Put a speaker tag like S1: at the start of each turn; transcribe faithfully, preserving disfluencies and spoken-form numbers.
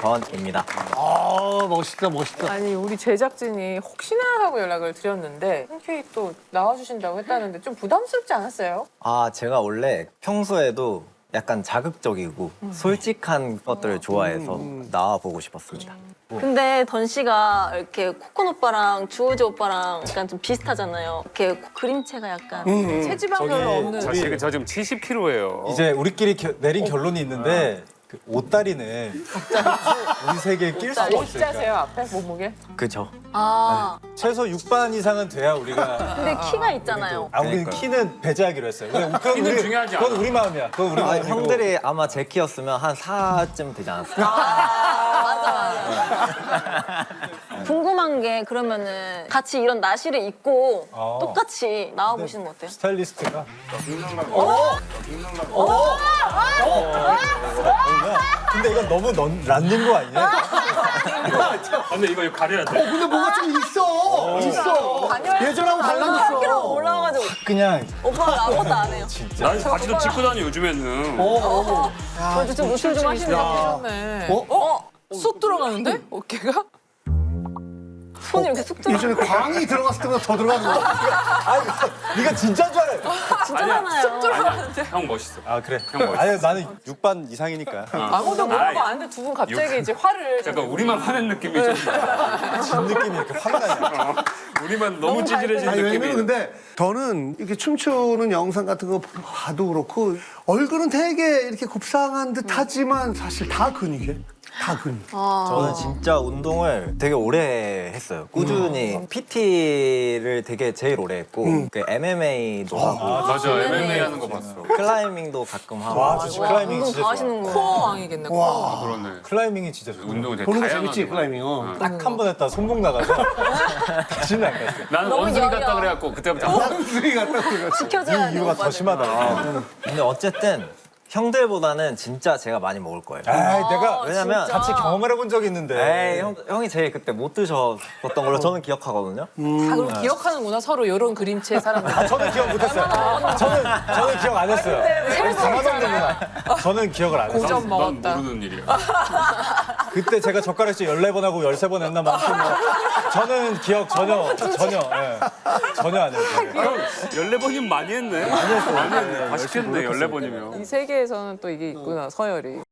S1: 김재현입니다.
S2: 아 멋있다 멋있다.
S3: 아니 우리 제작진이 혹시나 하고 연락을 드렸는데 흔쾌히 또 나와주신다고 했다는데 좀 부담스럽지 않았어요?
S1: 아, 제가 원래 평소에도 약간 자극적이고 솔직한 것들을 좋아해서 나와보고 싶었습니다.
S4: 근데 던 씨가 이렇게 코콘 오빠랑 주호지 오빠랑 약간 좀 비슷하잖아요. 이렇게 그림체가 약간.
S3: 체지방 별로 없는.
S5: 저 지금 저 지금 칠십 킬로그램예요.
S6: 이제 우리끼리 겨- 내린 결론이 있는데 그 옷다리는 우리 세계에 낄 수가 없으니까
S3: 일자세요 앞에 몸무게?
S1: 그죠?
S4: 아,
S6: 최소 육 반 이상은 돼야 우리가
S4: 근데 키가 있잖아요.
S6: 아 우리는
S1: 그러니까요.
S6: 키는 배제하기로 했어요. 그건 그건
S5: 키는
S6: 우리,
S5: 중요하지
S6: 그건
S5: 않아.
S6: 우리 마음이야. 그건 우리
S1: 아,
S6: 마음이고.
S1: 형들이 아마 제 키였으면 한 사쯤 되지 않았을까?
S4: 아, 맞아, 맞아. 궁금한 게 그러면은 같이 이런 나시를 입고
S6: 어.
S4: 똑같이 나와보시는 거 어때요?
S6: 스타일리스트가 근데 이건 너무 넌, 란닌 거 아니냐?
S5: 아, 근데 이거 가려야 돼.
S2: 근데 뭐가 좀 있어. 있어. 예전하고 달라졌어.
S4: 팔 킬로그램 올라와가지고
S6: 그냥
S4: 오빠가 아무것도 안 해요.
S5: 난 바지도 찍고 다녀 요즘에는.
S4: 저도 좀 노출 좀 하시네요.
S3: 네.
S2: 어?
S3: 어? 쑥 들어가는데? 어깨가?
S4: 손이 이렇게 쑥 들어.
S2: 예전에 광이 들어갔을 때보다 더 들어가는 거.
S6: 아니 네가 진짜인 줄 알아.
S4: 진짜 많아요.
S5: 형 멋있어.
S6: 아 그래.
S5: 형 멋있어.
S6: 아니 나는 육 반 이상이니까.
S3: 아무도 모르고 아는데 두 분 갑자기 이제 화를.
S5: 약간 우리만 화낸 느낌이 좀.
S6: 진 느낌이 이렇게 확 나냐.
S5: 우리만 너무 찌질해진
S2: 아니
S5: 느낌이.
S2: 왜냐면 근데 저는 이렇게 춤추는 영상 같은 거 봐도 그렇고 얼굴은 되게 이렇게 곱상한 듯 하지만 사실 다 근육이에요. 다 근육.
S1: 저는 진짜 운동을 되게 오래 했어요. 꾸준히 피티를 되게 제일 오래 했고 그 엠엠에이도 하고
S5: 맞아, 엠엠에이 하는 거 봤어.
S1: 클라이밍도 가끔 하고
S6: 와, 저 클라이밍
S4: 운동
S6: 진짜
S4: 다
S6: 좋아.
S4: 하시는구나.
S3: 코어 왕이겠네. 코어.
S5: 아, 그러네.
S6: 클라이밍이 진짜 좋아.
S5: 운동이 되게
S2: 보는 거
S5: 다양하게.
S2: 재밌지 클라이밍. 어.
S6: 딱 한 번 했다 손목 나가서 다시는 안 갔어요.
S5: 나는
S4: 너무
S5: 원숭이
S4: 여려.
S5: 같다 그래갖고 그때부터
S2: 원숭이 같다 그래.
S4: 지켜줘야
S6: 이
S4: 돼.
S6: 이유가 더 심하다.
S1: 근데 어쨌든 형들보다는 진짜 제가 많이 먹을 거예요.
S6: 에이 내가
S1: 왜냐면
S4: 진짜?
S6: 같이 경험을 해본 적이 있는데.
S1: 에이, 형, 형이 제일 그때 못 드셨던 걸로 저는 기억하거든요.
S3: 아, 그럼 기억하는구나 서로 이런 그림체 사람들.
S6: 아, 저는 기억 못했어요. 저는 저는 기억 안 했어요. 가만없는구나. 저는 기억을 안 했어요.
S3: 고점
S5: 난
S3: 먹었다.
S5: 모르는 일이야.
S6: 그때 제가 젓가락질 열네 번 하고 열세 번 했나 만큼 뭐 저는 기억 전혀 전혀 예. 전혀 안 했어요.
S5: 형, 열네 번이면 많이 했네. 많이 했어. 많이 했네. 다 시켰네, 열네 번이면.
S3: 이 세계에서는 또 이게 있구나 서열이.